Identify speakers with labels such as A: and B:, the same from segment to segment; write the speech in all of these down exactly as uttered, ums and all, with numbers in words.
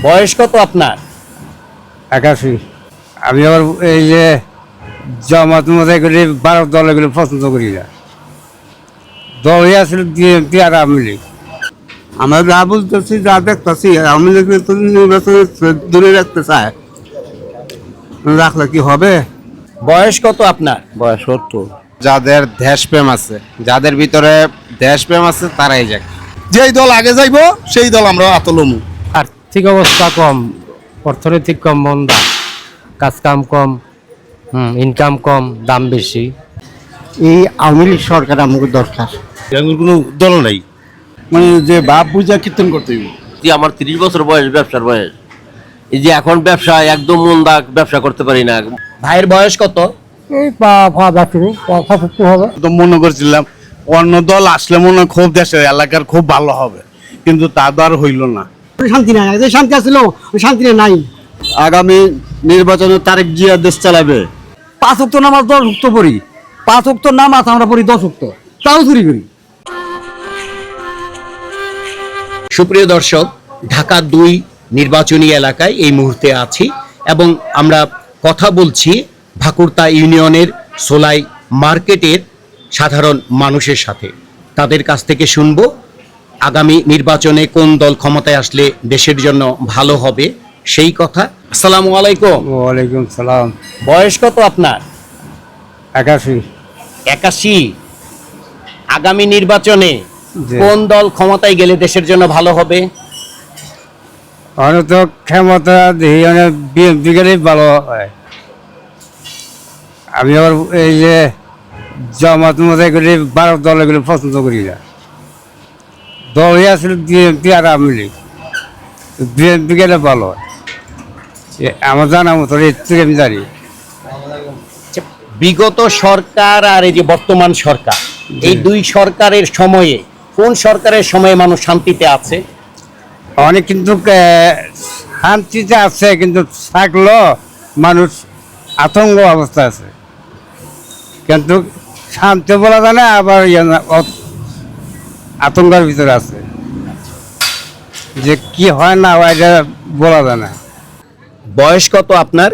A: বয়স কত আপনার?
B: একাশি। আমি আবার এই যে জামাত মতো করে ভারত দল এগুলো পছন্দ করি না। দলই আসলে বিএনপি আর আওয়ামী লীগ।
C: আমরা যা বুঝতেছি যা দেখতেছি আওয়ামী লীগ তো নির্বাচনে দূরে রাখতে চায়, রাখলে কি হবে?
A: বয়স কত আপনার?
D: বয়স সত্তর। যাদের দেশপ্রেম আছে, যাদের ভিতরে দেশপ্রেম আছে তারাই যাক।
E: যেই দল আগে যাইবো সেই দল আমরা আতলমু।
F: আর্থিক অবস্থা কম, অর্থনৈতিক কম মন্দা, কাজ কাম কম, হুম ইনকাম কম, দাম বেশি।
C: এই আওয়ামী লীগ সরকার আমাকে দরকার।
E: এরকম কোনো দল নাই, মানে যে বাপ বুঝা কীর্তন করতে হইব।
G: যে আমার তিরিশ বছর বয়স, ব্যবসার বয়স, এই যে এখন ব্যবসা একদম মন্দা, ব্যবসা করতে পারি না।
A: ভাইয়ের বয়স কত?
F: এই পা পা যাচ্ছি পঁচাত্তর হবে।
E: তো মনে করছিলাম অন্য দল আসলে মনে হয় খুব দেশের এলাকার খুব ভালো হবে, কিন্তু তা তো আর হইল না।
C: শান্তি নাই, যে শান্তি আসছিল শান্তি নাই। আগামী নির্বাচনে তারেক জিয়া দেশ চালাবে।
B: পাঁচ অক্ট নামাজ দশ অক্ট পড়ি, পাঁচ অক্ট নামাজ আমরা পড়ি দশ অক্ট, তাও চুরি করি।
A: সুপ্রিয় দর্শক, ঢাকা দুই নির্বাচনী এলাকায় এই মুহূর্তে আছি এবং আমরা কথা বলছি ভাকুরতা ইউনিয়নের সোলাই মার্কেটের সাধারণ মানুষের সাথে। তাদের কাছ থেকে শুনবো আগামী নির্বাচনে কোন দল ক্ষমতায় আসলে দেশের জন্য ভালো হবে সেই কথা। আসসালামু আলাইকুম।
B: ওয়ালাইকুম সালাম।
A: বয়স কত আপনার?
B: একাশি।
A: একাশি। আগামী নির্বাচনে
B: জি।
A: কোন দল ক্ষমতায় গেলে দেশের জন্য ভালো হবে?
B: অনেক তো ক্ষমতা দেখি অনেক বিএনপি গেলেই ভালো হয়। আমি আবার এই যে জামাত মতো করে ভারত দল এগুলো পছন্দ করি না। দলই আসলে বিএনপি আর আওয়ামী লীগ। বিএনপি গেলে ভালো হয়। এ আমার জানা মতো এর থেকে আমি জানি।
A: আচ্ছা, বিগত সরকার আর এই যে বর্তমান সরকার, এই দুই সরকারের সময়ে কোন সরকারের সময়ে মানুষ শান্তিতে আছে?
B: অনেক কিন্তু আহ, শান্তিতে আছে, কিন্তু থাকলেও মানুষ আতঙ্ক অবস্থা আছে। কিন্তু শান্তি বলা যায় না, আবার ইয়ে না, অ- আতঙ্কের ভিতরে আছে। যে কি হয় না হয় এটা বলা যায় না।
A: বয়স কত আপনার?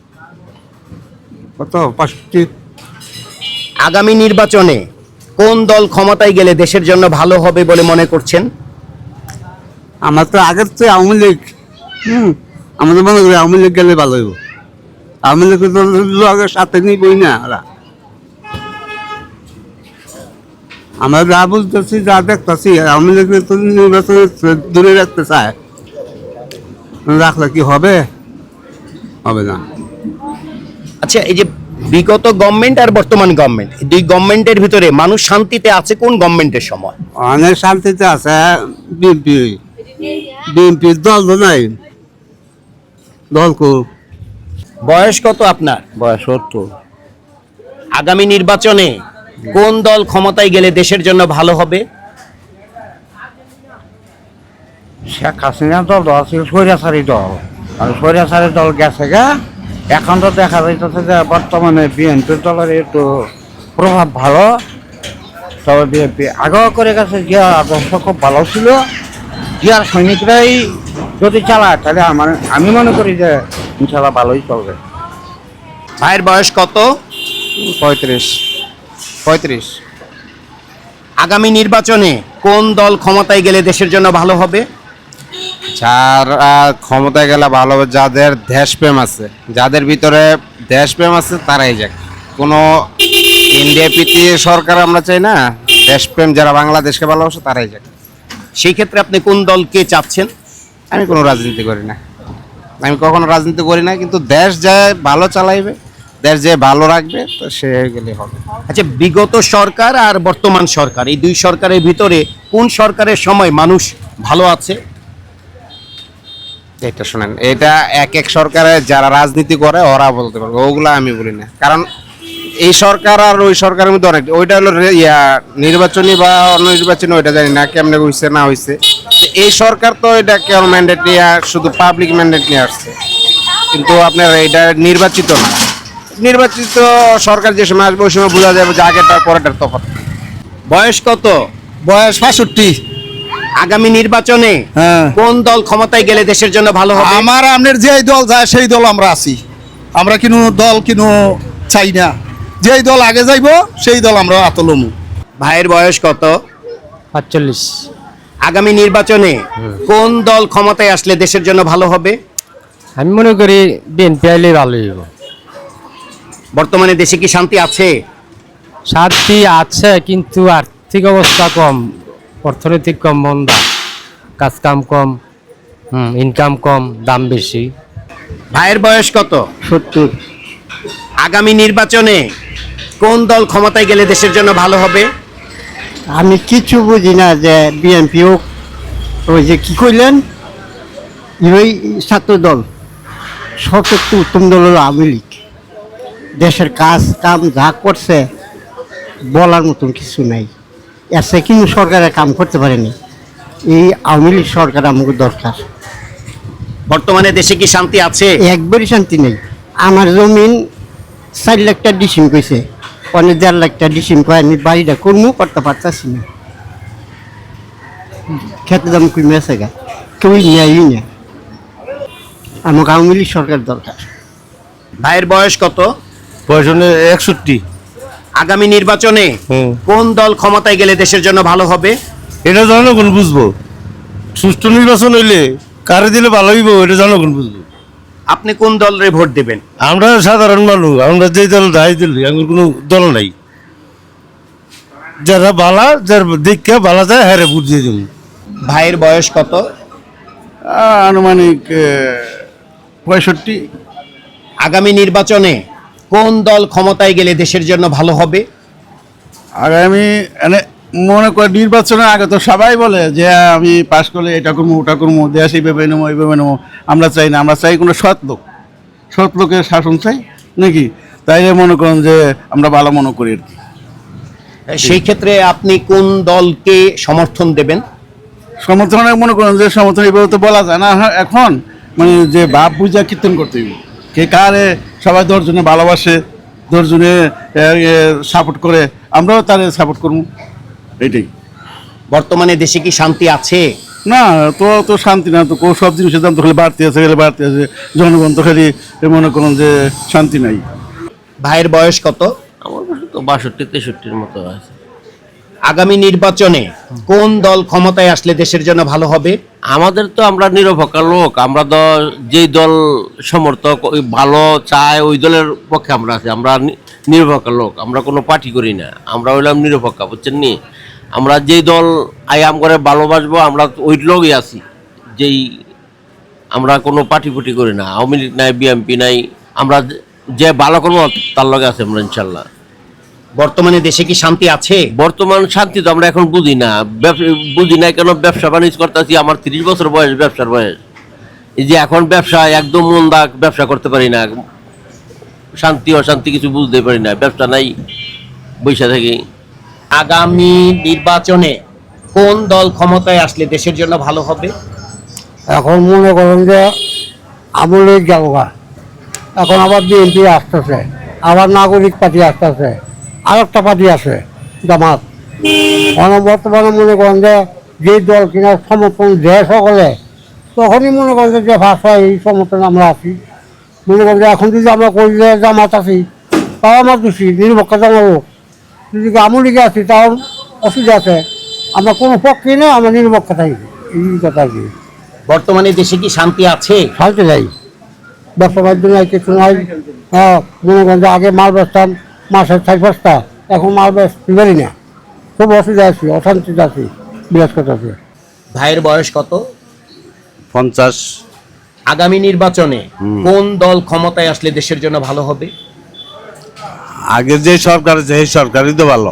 C: কত পাঁচটি?
A: আগামী নির্বাচনে কোন দল ক্ষমতায় গেলে দেশের জন্য ভালো হবে বলে মনে করছেন?
C: আমার তো আগের তো আওয়ামী লীগ, হুম আমাদের মনে করি আওয়ামী লীগ গেলে ভালো হইব। আওয়ামী লীগ তো আগের সাথে নিবই না ওরা। আমরা যা বুঝতেছি যা দেখতেছি আওয়ামী লীগ তো নির্বাচনে দূরে রাখতে চায়, রাখলে কি হবে? হবে না।
A: আচ্ছা, এই যে বিগত গভর্নমেন্ট আর বর্তমান গভর্নমেন্ট, দুই গভর্নমেন্টের ভিতরে মানুষ শান্তিতে আছে কোন গভর্নমেন্টের সময়?
C: অনেক শান্তিতে আছে বিএনপি। বিএনপি দল তো নাই, দল কো।
A: বয়স কত আপনার?
D: বয়স সত্তর।
A: আগামী নির্বাচনে কোন দল ক্ষমতায় গেলে দেশের জন্য ভালো হবে?
B: শেখ হাসিনা দল ছিল স্বৈরাচারী দল, আর স্বৈরাচারী দল গেছে গা। এখন তো দেখা যাইতেছে যে বর্তমানে বিএনপির দলের একটু প্রভাব ভালো। তবে বিএনপি আগেও করে গেছে, জিয়া আদর্শ খুব ভালো ছিল। জিয়ার সৈনিকরাই যদি চালায় তাহলে আমার আমি মনে করি যে ইনশাল্লাহ ভালোই চলবে।
A: ভাইয়ের বয়স কত?
D: পঁয়ত্রিশ। পঁয়ত্রিশ।
A: আগামী নির্বাচনে কোন দল ক্ষমতায় গেলে দেশের জন্য ভালো হবে?
D: যার আহ, ক্ষমতায় গেলে ভালো হবে, যাদের দেশপ্রেম আছে, যাদের ভিতরে দেশপ্রেম আছে তারাই যাক। কোনো ইন্ডিয়া প্রীতি সরকার আমরা চাই না, দেশপ্রেম যারা বাংলাদেশকে ভালোবাসে তারাই যাক।
A: সেই ক্ষেত্রে আপনি কোন দলকে চাচ্ছেন?
D: আমি কোনো রাজনীতি করি না, আমি কখনো রাজনীতি করি না, কিন্তু দেশ যে ভালো চালাইবে, দেশ যে ভালো রাখবে তো সে গেলে হবে।
A: আচ্ছা, বিগত সরকার আর বর্তমান সরকার, এই দুই সরকারের ভিতরে কোন সরকারের সময় মানুষ ভালো আছে?
D: এটা শোনেন, এটা এক এক সরকারের যারা রাজনীতি করে ওরা বলতে পারবে, ওগুলা আমি বলি না। কারণ এই সরকার আর ওই সরকারের মধ্যে অনেক, ওইটা হলো রে- ইয়া নির্বাচনী বা অন্য নির্বাচনী, ওইটা জানি না কেমনে হয়েছে না হয়েছে। এই সরকার তো এটা কেমন ম্যান্ডেট নিয়ে, শুধু পাবলিক ম্যান্ডেট নিয়ে আসছে, কিন্তু আপনার এটা নির্বাচিত না। নির্বাচিত সরকার যে সময় আসবে ওই সময় বোঝা যাবে যে আগেরটার পরেরটার তফাৎ।
A: বয়স কত?
E: বয়স বাষট্টি।
A: আগামী নির্বাচনে
H: হ্যাঁ
A: কোন দল ক্ষমতায় গেলে দেশের জন্য ভালো হবে?
H: আমার আপনার যেই দল যায় সেই দল আমরা আছি, আমরা কিনো দল কিনো চাই না, যেই দল আগে যাইব সেই দল আমরা আতলমু।
A: ভাইয়ের বয়স কত?
F: পাঁচচল্লিশ।
A: আগামী নির্বাচনে কোন দল ক্ষমতায় আসলে দেশের জন্য ভালো হবে?
F: আমি মনে করি বিএনপি আইলে ভালো হইব।
A: বর্তমানে দেশে কি শান্তি আছে?
F: শান্তি আছে কিন্তু আর্থিক অবস্থা কম, অর্থনৈতিক কম মন্দা, কাজ কাম কম, হুম ইনকাম কম, দাম বেশি।
A: ভাইয়ের বয়স কত?
B: সত্তর।
A: আগামী নির্বাচনে কোন দল ক্ষমতায় গেলে দেশের জন্য ভালো হবে?
B: আমি কিছু বুঝি না যে বিএনপি হোক, ওই যে কি কইলেন ওই ছাত্র দল, সবচেয়ে উত্তম দল হলো আওয়ামী লীগ। দেশের কাজ কাম যা করছে বলার মতন কিছু নাই, এসে কিন্তু সরকারের কাম করতে পারেনি। এই আওয়ামী লীগ সরকার আমাকে দরকার।
A: বর্তমানে দেশে কি শান্তি আছে?
B: একবারই শান্তি নেই। আমার জমিন চার লাখ টাকা ডিসিম কইছে, অনেক দেড় লাখ টাকা ডিসিম কয়, আমি বাড়িটা করবো করতে পারতাছি না। খেতে দাম কমে আছে গা, কেউ নেয়ই না। আমাকে আওয়ামী লীগ সরকার দরকার।
A: ভাইয়ের বয়স কত?
E: বয়স একষট্টি।
A: আগামী নির্বাচনে কোন দল ক্ষমতায় গেলে দেশের জন্য ভালো হবে?
E: এটা জনগণ বুঝবো, সুষ্ঠু নির্বাচন হইলে কারে দিলে ভালো হইব এটা জনগণ বুঝবো।
A: আপনি কোন দলের ভোট দেবেন?
E: আমরা সাধারণ মানুষ, আমরা যেই দল দায় দিলি আমার কোনো দল নাই, যারা বালা যার দীক্ষা বালা যায় হ্যাঁ ভোট দিয়ে দেবো।
A: ভাইয়ের বয়স কত?
H: আনুমানিক পঁয়ষট্টি।
A: আগামী নির্বাচনে কোন দল ক্ষমতায় গেলে দেশের জন্য ভালো হবে?
H: আগামী এনে মনে করে নির্বাচনের আগে তো সবাই বলে যে আমি পাশ করলে এটা করবো ওটা করবো, দেশ এইভাবে নেবো এইভাবে নেবো। আমরা চাই না, আমরা চাই কোনো সৎ লোক, সৎ লোকের শাসন চাই নাকি, তাইলে মনে করেন যে আমরা ভালো মনে করি আর কি।
A: সেই ক্ষেত্রে আপনি কোন দলকে সমর্থন দেবেন?
H: সমর্থনে মনে করেন যে সমর্থন এইভাবে তো বলা যায় না এখন, মানে যে বাপ বুঝা কীর্তন করতে হইব, কে কারে সবাই দশজনে ভালোবাসে, দশজনে সাপোর্ট করে, আমরাও তারে সাপোর্ট করবো, এইটাই।
A: বর্তমানে দেশে কি শান্তি আছে?
H: না তো তো শান্তি না, তো সব জিনিসের দাম তো খালি বাড়তে আছে, খালি বাড়তে আছে, জনগণ তো খালি মনে করেন যে শান্তি নাই।
A: ভাইয়ের বয়স কত?
G: আমার কাছে তো বাষট্টি তেষট্টির মতো আছে।
A: আগামী নির্বাচনে কোন দল ক্ষমতায় আসলে দেশের জন্য ভালো হবে?
G: আমাদের তো আমরা নিরপেক্ষ লোক, আমরা তো যেই দল সমর্থক ওই ভালো চায় ওই দলের পক্ষে আমরা আছি। আমরা নি- নিরপেক্ষ লোক, আমরা কোনো পার্টি করি না, আমরা হইলাম নিরপেক্ষ, বুঝছেন নি? আমরা যেই দল আয়াম করে ভালোবাসবো আমরা ওই লোকই আছি, যেই আমরা কোনো পার্টি ফুটি করি না, আওয়ামী লীগ নাই বিএনপি নাই, আমরা যে- যে ভালো করবো তার লগে আছে আমরা ইনশাল্লাহ।
A: বর্তমানে দেশে কি শান্তি আছে?
G: বর্তমান শান্তি তো আমরা এখন বুঝি না, ব্যব- বুঝি না কেন ব্যবসা বাণিজ্য করতেছি, আমার তিরিশ বছর বয়স, ব্যবসার বয়স। এই যে এখন ব্যবসা একদম মন্দা, ব্যবসা করতে পারি না, শান্তি অশান্তি কিছু বুঝতে পারি না, ব্যবসা নাই, বৈশা থাকি।
A: আগামী নির্বাচনে কোন দল ক্ষমতায় আসলে দেশের জন্য ভালো হবে?
B: এখন মনে করেন যে আওয়ামী লীগ যাবো, এখন আবার বিএনপি আসতেছে, আবার নাগরিক পার্টি আসতেছে, আর একটা পার্টি আছে জামাত। মানে বর্তমানে মনে করেন যে যে দল কিনা সমর্থন দেয় সকলে, তখনই মনে করেন যে ভাষা এই সমর্থন আমরা আছি। মনে করেন যে এখন যদি আমরা করি যে জামাত আছি, তাও আমার দোষী, নিরপেক্ষ জামাবো। যদি আওয়ামী লীগে আছি তাও অসুবিধা আছে, আমরা কোনো পক্ষে নেই, আমরা নিরপেক্ষ থাকি, এই কথা আর কি।
A: বর্তমানে দেশে কি শান্তি আছে?
B: ফালতে যাই, ব্যবসা বাণিজ্য নাই, কিছু নাই। হ্যাঁ, মনে করেন যে আগে মাল বেচতাম মাসের চার পাঁচটা, এখন মাল বেচতে পারি না, খুব অসুবিধা আছি, অশান্তিতে আছি, বিরাজ করতেছে।
A: ভাইয়ের বয়স কত?
E: পঞ্চাশ।
A: আগামী নির্বাচনে কোন দল ক্ষমতায় আসলে দেশের জন্য ভালো হবে?
E: আগে যে সরকার আছে এই সরকারই তো ভালো,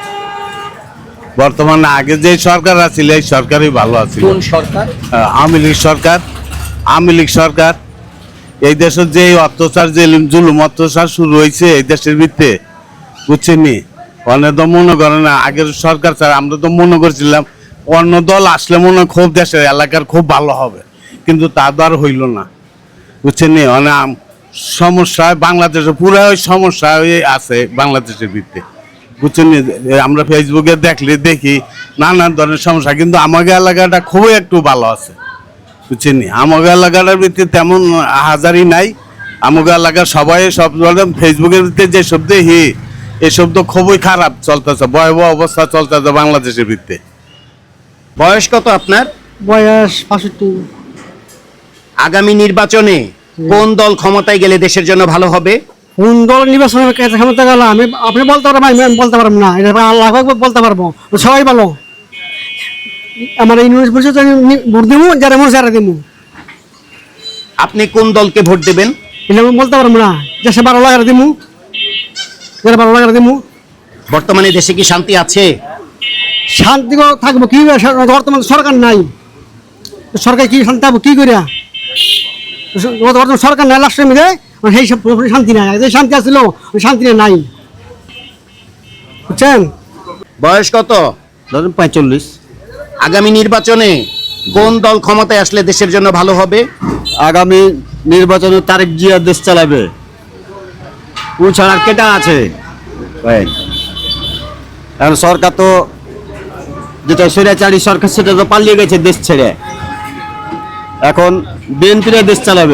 E: বর্তমানে আগে যে সরকার আছিল এই সরকারই ভালো আছিল।
A: কোন সরকার?
E: আওয়ামী লীগ সরকার, আওয়ামী লীগ সরকার। এই দেশের যে অত্যাচার, যে জুলুম অত্যাচার শুরু হয়েছে এই দেশের ভিত্তে, বুঝছেন নি? অনেক তো মনে করে না আগের সরকার স্যার, আমরা তো মনে করছিলাম অন্য দল আসলে মনে হয় খুব দেশের এলাকার খুব ভালো হবে, কিন্তু তা তো আর হইল না, বুঝছেন নি? অনেক সমস্যা বাংলাদেশে পুরো সমস্যা হয়ে আছে বাংলাদেশের ভিত্তে, বুঝছেন নি? এ আমরা ফেসবুকে দেখলে দেখি নানান ধরনের সমস্যা, কিন্তু আমাদের এলাকাটা খুবই একটু ভালো আছে, বুঝছেন নি? আমাদের এলাকাটার ভিতরে তেমন হাজারি নাই। আমাদের এলাকার সবাই সব ধরনের ফেসবুকের ভিতরে যে শব্দ হি এই শব্দ খুবই খারাপ চলতেছে, ভয়াবহ অবস্থা চলতেছে বাংলাদেশের ভিতরে।
A: বয়স কত আপনার?
I: বয়স পাঁষট্টি।
A: আগামী নির্বাচনে কোন দল ক্ষমতায় গেলে দেশের জন্য ভালো হবে?
I: কোন দল নির্বাচনের কাছে ক্ষমতা গেল আমি আপনি বলতে পারবেন, আমি আমি বলতে পারবো না, এটা আল্লাহ পাক বলতে পারবো। সবাই ভালো, আমার ইউনিভার্স পরিষদ ভোট দেবো, যারা মনে যারা দেবো।
A: আপনি কোন দলকে ভোট দেবেন?
I: এটা আমি বলতে পারবো না, দেশে ভালো লাগার দেবো, যারা ভালো লাগার দেবো।
A: বর্তমানে দেশে কি শান্তি আছে?
I: শান্তি থাকবো কি, বর্তমান সরকার নাই, সরকার কি শান্তি থাকবো কি করিয়া? বর্তমান সরকার নাই, লাস্টের মধ্যে সেই সব শান্তি নাই, যে শান্তি আসছিল শান্তি নাই, বুঝছেন?
A: বয়স কত?
B: ধরুন পঁয়তাল্লিশ।
A: আগামী নির্বাচনে কোন দল ক্ষমতায় আসলে দেশের জন্য ভালো হবে?
B: আগামী নির্বাচনে তারেক জিয়া দেশ চালাবে, ও ছাড়া কেটা আছে? এখন সরকার তো যেটা স্বৈরাচারী সরকার সেটা তো পালিয়ে গেছে দেশ ছেড়ে, এখন বিএনপিরা দেশ চালাবে।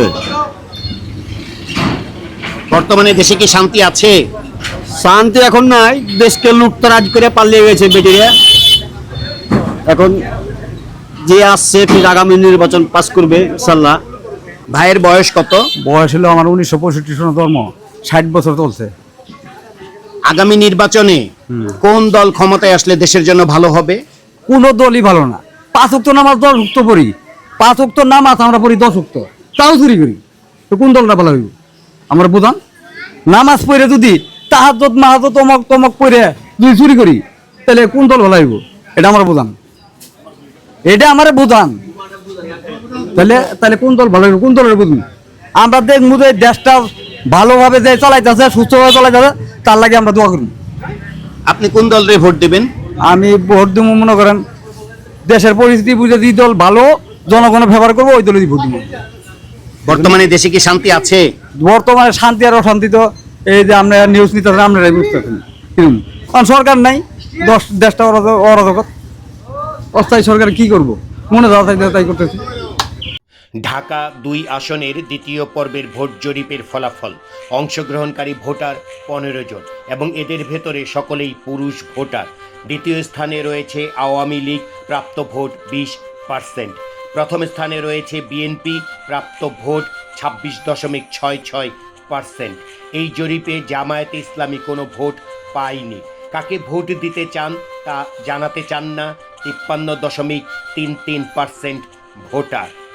A: বর্তমানে দেশে কি শান্তি আছে?
B: শান্তি এখন নাই, দেশকে লুটতরাজ করে পালিয়ে গেছে বেটিরা। এখন যে আসছে ফির আগামী নির্বাচন পাস করবে ইনশাল্লাহ।
A: ভাইয়ের বয়স কত?
H: বয়স হলো আমার উনিশশো পঁয়ষট্টি সনে জন্ম, ষাট বছর চলছে।
A: আগামী নির্বাচনে কোন দল ক্ষমতায় আসলে দেশের জন্য ভালো হবে?
B: কোনো দলই ভালো না। পাঁচ উক্ত নামাজ দশ উক্ত পড়ি, পাঁচ উক্ত নামাজ আমরা পড়ি দশ উক্ত, তাও চুরি করি, তো কোন দলটা ভালো হইব? আমরা বুঝান নামাজ পড়ে যদি তাহাজ্জুদ মাহাজ্জুদ তমক তমক পড়ে যদি চুরি করি, তাহলে কোন দল ভালো হইব? এটা আমরা বুঝান, এটা আমার বুঝান। তাহলে তাহলে কোন দল ভালো হইব? কোন দলের বুঝুন? আমরা দেখবো যে দেশটা ভালোভাবে যে চালাইতেছে, সুস্থভাবে চালাইতেছে, তার লাগে আমরা দোয়া করি।
A: আপনি কোন দলরে ভোট দেবেন?
B: আমি ভোট দিব মনে করেন দেশের পরিস্থিতি বুঝে যে দল ভালো জনগণের ব্যবহার করবো ওই দলে ভোট দিব।
A: বর্তমানে দেশে কি শান্তি আছে?
B: বর্তমানে শান্তি আর অশান্তি তো এই যে আমরা নিউজ নিতে আপনারাই বুঝতেছেন, কিরকম কারণ সরকার নাই, দশ দেশটা অরাজক অস্থায়ী সরকার কি করবো, মনে যাওয়া তাই তাই করতেছি।
A: ঢাকা দুই আসনের দ্বিতীয় পর্বের ভোট জরিপের ফলাফল। অংশগ্রহণকারী ভোটার পনেরো জন এবং এদের ভেতরে সকলেই পুরুষ ভোটার। দ্বিতীয় স্থানে রয়েছে আওয়ামী লীগ, প্রাপ্ত ভোট বিশ পার্সেন্ট। প্রথম স্থানে রয়েছে বিএনপি, প্রাপ্ত ভোট ছাব্বিশ দশমিক ছয় ছয় পার্সেন্ট। এই জরিপে জামায়াতে ইসলামী কোনো ভোট পায়নি। কাকে ভোট দিতে চান তা জানাতে চান না তিপ্পান্ন দশমিক তিন তিন পার্সেন্ট ভোটার।